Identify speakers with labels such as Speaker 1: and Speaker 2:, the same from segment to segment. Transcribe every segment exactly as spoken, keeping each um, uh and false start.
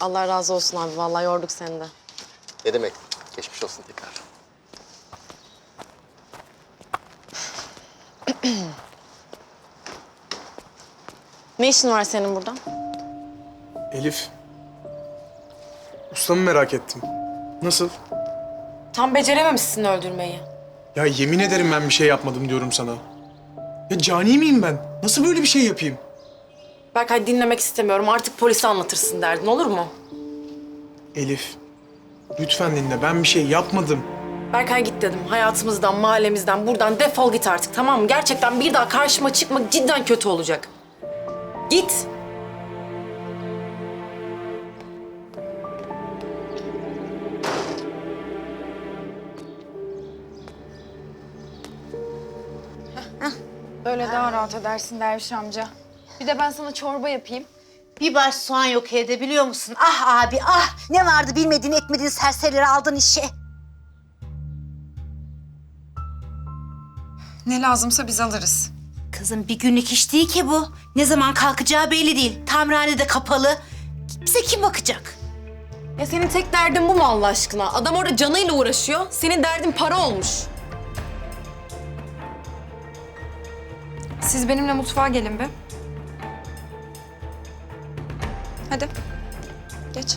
Speaker 1: Allah razı olsun abi. Vallahi yorduk seni de.
Speaker 2: Ne demek? Geçmiş olsun tekrar.
Speaker 1: Ne işin var senin burada?
Speaker 3: Elif. Ustamı merak ettim. Nasıl?
Speaker 1: Tam becerememişsin öldürmeyi.
Speaker 3: Ya yemin ederim ben bir şey yapmadım diyorum sana. Ya cani miyim ben? Nasıl böyle bir şey yapayım?
Speaker 1: Berkay dinlemek istemiyorum. Artık polise anlatırsın derdin, olur mu?
Speaker 3: Elif. Lütfen dinle. Ben bir şey yapmadım.
Speaker 1: Berkay git dedim. Hayatımızdan, mahallemizden, buradan defol git artık, tamam mı? Gerçekten bir daha karşıma çıkma, cidden kötü olacak. Git.
Speaker 4: Böyle daha rahat edersin Derviş amca. Bir de ben sana çorba yapayım.
Speaker 5: Bir baş soğan yok evde biliyor musun? Ah abi ah! Ne vardı bilmediğin etmediğin serserileri aldın işe.
Speaker 4: Ne lazımsa biz alırız.
Speaker 5: Kızım bir günlük iş değil ki bu. Ne zaman kalkacağı belli değil. Tamirhane de kapalı. Bize kim bakacak?
Speaker 1: Ya senin tek derdin bu mu Allah aşkına? Adam orada canıyla uğraşıyor. Senin derdin para olmuş.
Speaker 4: Siz benimle mutfağa gelin be. Hadi. Geç.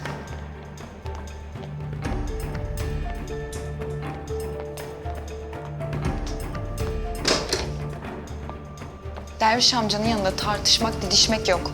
Speaker 4: Derviş amcanın yanında tartışmak, didişmek yok.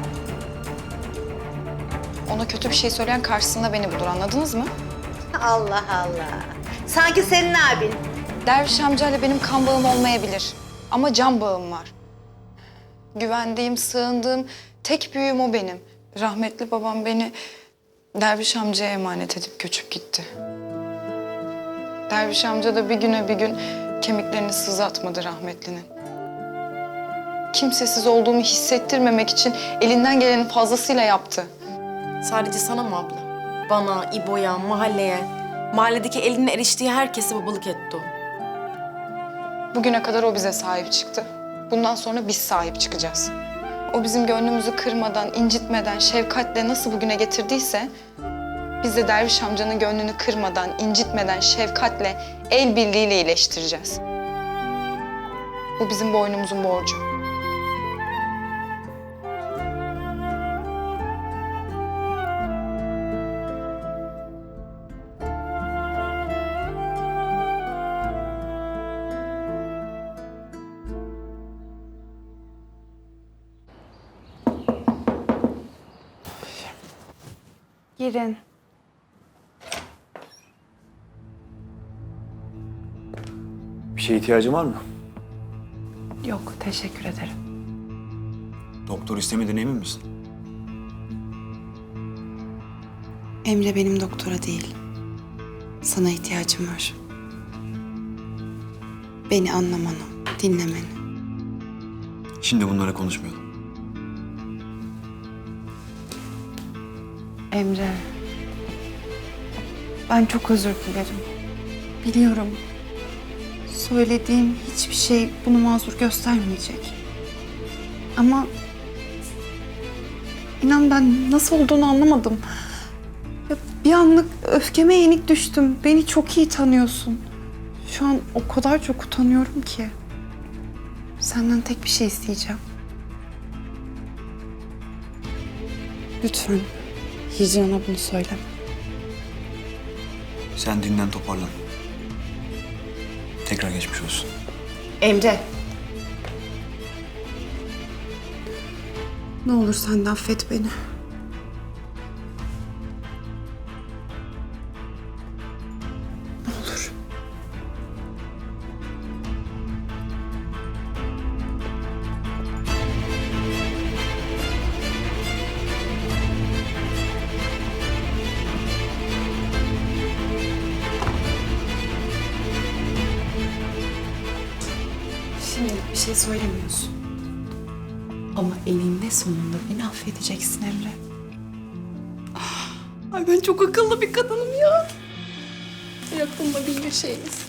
Speaker 4: Ona kötü bir şey söyleyen karşısında beni bulur, anladınız mı?
Speaker 5: Allah Allah. Sanki senin abin.
Speaker 4: Derviş amcayla benim kan bağım olmayabilir. Ama can bağım var. Güvendiğim, sığındığım tek büyüğüm o benim. Rahmetli babam beni Derviş amcaya emanet edip göçüp gitti. Derviş amca da bir güne bir gün kemiklerini sızlatmadı rahmetlinin. Kimsesiz olduğumu hissettirmemek için elinden gelenin fazlasıyla yaptı.
Speaker 1: Sadece sana mı abla? Bana, İbo'ya, mahalleye, mahalledeki elinin eriştiği herkese babalık etti o.
Speaker 4: Bugüne kadar o bize sahip çıktı. Bundan sonra biz sahip çıkacağız. O bizim gönlümüzü kırmadan, incitmeden, şefkatle nasıl bugüne getirdiyse... biz de Derviş amcanın gönlünü kırmadan, incitmeden, şefkatle, el birliğiyle iyileştireceğiz. Bu bizim boynumuzun borcu. Girin.
Speaker 6: Bir şeye ihtiyacın var mı?
Speaker 4: Yok, teşekkür ederim.
Speaker 6: Doktor istemediğine emin misin?
Speaker 7: Emre benim doktora değil. Sana ihtiyacım var. Beni anlamanı, dinlemeni.
Speaker 6: Şimdi bunlara konuşmayalım.
Speaker 7: Emre, ben çok özür dilerim. Biliyorum, söylediğim hiçbir şey bunu mazur göstermeyecek. Ama inan ben nasıl olduğunu anlamadım. Ya bir anlık öfkeme yenik düştüm. Beni çok iyi tanıyorsun. Şu an o kadar çok utanıyorum ki. Senden tek bir şey isteyeceğim. Lütfen Hicran'a bunu söyleme.
Speaker 6: Sen dinlen, toparlan. Tekrar geçmiş olsun.
Speaker 7: Emre. Ne olur sen de affet beni. Ne olur. Şimdilik bir şey söylemiyorsun. Ama eninde sonunda beni affedeceksin Emre. Ah, ay ben çok akıllı bir kadınım ya. Aklımda bin bir şeyiz.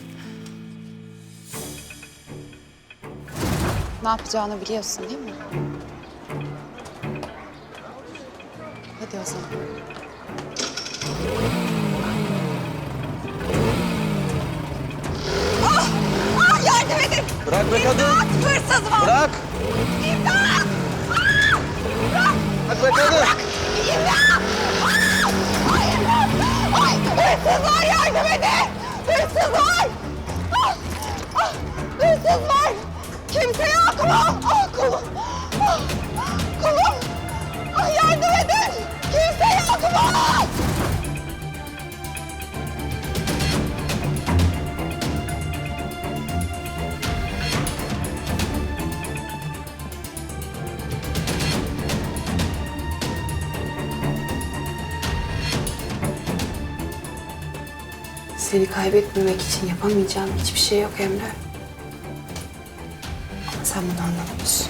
Speaker 7: Ne yapacağını biliyorsun değil mi? Hadi o zaman.
Speaker 2: Bırak be kadın.
Speaker 8: Hırsız var!
Speaker 2: Bırak.
Speaker 8: İmdat!
Speaker 2: Bırak be kadın.
Speaker 8: İmdat! Ay, imdat! Ay, hırsız var, yardım edin! Hırsız var! Ah, ah, hırsız var! Kimse yok mu? Ah, kolum! Ah, kolum! Ah, yardım edin! Kimse yok mu?
Speaker 7: Seni kaybetmemek için yapamayacağım hiçbir şey yok Emre. Ama sen bunu anlamıyorsun.